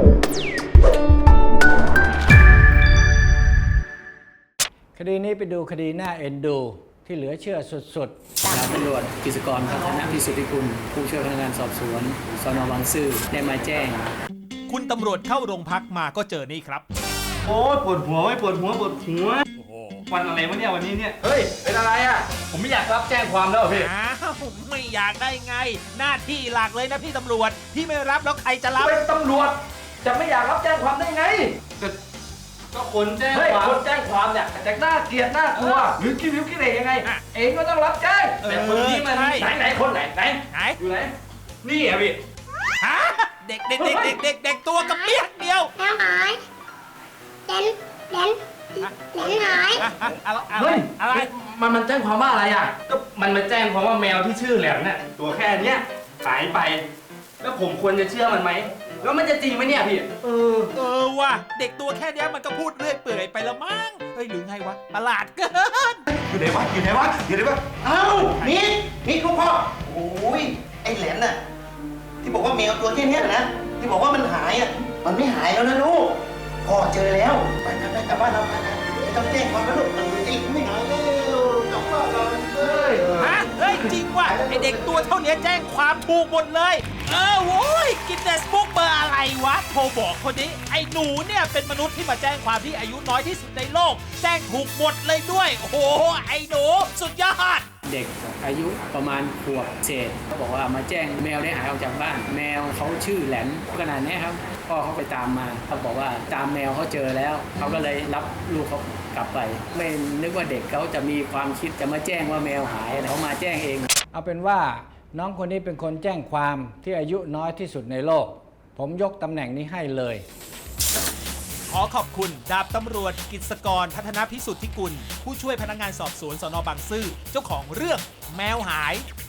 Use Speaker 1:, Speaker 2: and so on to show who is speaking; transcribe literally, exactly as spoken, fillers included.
Speaker 1: คดีนี้ไปดูคดีหน้าเอ็นดูที่เหลือเชื่อสุดๆ
Speaker 2: ดาบตำรวจกฤษกรพัฒนพิสุทธิกุลผู้ช่วยพนักงานสอบสวนสน.บางซื่อได้มาแจ้ง
Speaker 3: คุณตำรวจเข้าโรงพักมาก็เจอนี่ครับ
Speaker 4: โอ้ยปวดหัวไม่ปวดหัวปวดหัววันอะไรวะเนี่ยวันนี้เนี่ยเฮ้ยเป็นอะไรอ่ะผมไม่อยากรับแจ้งความแล้วพี่
Speaker 3: อ้าวไม่อยากได้ไง หน้าที่หลักเลยนะพี่ตำรวจพี่ไม่รับแล้วใครจะรับ
Speaker 4: เป็นตำรวจจะไม่อยากรับแจ้งความได้ไงก็ก็คนแจ้งความคนแจ้งความเนี่ยจะน่าเกลียดน่ากลัวหรือคิดวิวคิดเองยังไงเองก็ต้องรับแจ้งแต่คนนี้มันไหนไหนคนไหนไหน
Speaker 3: ไหน
Speaker 4: อยู่ไหนนี่อ่ะพี่
Speaker 3: ฮะเด็กเด็กเด็กเด็กเด็กเด็กตัวกระเปียกเดียว
Speaker 5: แล้วหายเดนเดนเดนหาย
Speaker 3: อะอะอะไรอะ
Speaker 4: เฮ้ย
Speaker 3: อะไร
Speaker 4: มันมันแจ้งความว่าอะไรอ่ะก็มันมาแจ้งความว่าแมวที่ชื่อแหลมเนี่ยตัวแค่เนี้ยหายไป แล้วผมควรจะเชื่อมันไหมแล้วมันจะจริงไหมเนี่ยพี่เออ
Speaker 3: เออว่ะเด็กตัวแค่เนี้ยมันก็พูดเรื่อยเปื่อยไปละมั้งเฮ้ยหรือไงวะประหลาดเกิน
Speaker 6: อยู่ไหนวะอยู่ไหนวะอยู่ไหนวะเอ้านี่นี่ลูกพ่อโอ้ยไอ้แหลมน่ะที่บอกว่าแมวตัวแค่เนี้ยนะที่บอกว่ามันหายอ่ะมันไม่หายแล้วนะลูกพ่อเจอแล้วไปไปไปกลับบ้านเราไปนะไม่ต้องแจ้งความแล้วลูกมันจริงไม่หายแล้วกลับบ้านเราเลย
Speaker 3: ฮะเฮ้ยจริงว่ะไอเด็กตัวเท่านี้แจ้งความถูกหมดเลยเออโว้ยกินเนสบุ๊กเบอร์อะไรวะโทรบอกคนนี้ไอหนูเนี่ยเป็นมนุษย์ที่มาแจ้งความที่อายุน้อยที่สุดในโลกแจ้งถูกหมดเลยด้วยโอ้โหไอหนูสุดยอด
Speaker 2: เด็กอายุประมาณขวบเศษเขาบอกว่ามาแจ้งแมวได้หายออกจากบ้าน แมวเขาชื่อแหลมขนาดนี้ครับพ่อเขาไปตามมาเขาบอกว่าตามแมวเขาเจอแล้วเขาก็เลยรับลูกเขากลับไป ไม่นึกว่าเด็กเขาจะมีความคิดจะมาแจ้งว่าแมวหายเขามาแจ้งเอง
Speaker 1: เอาเป็นว่าน้องคนนี้เป็นคนแจ้งความที่อายุน้อยที่สุดในโลก ผมยกตำแหน่งนี้ให้เลย
Speaker 3: ขอขอบคุณดาบตำรวจกฤษกรพัฒนพิสุทธิกุลผู้ช่วยพนักงานสอบสวนสน.บางซื่อเจ้าของเรื่องแมวหาย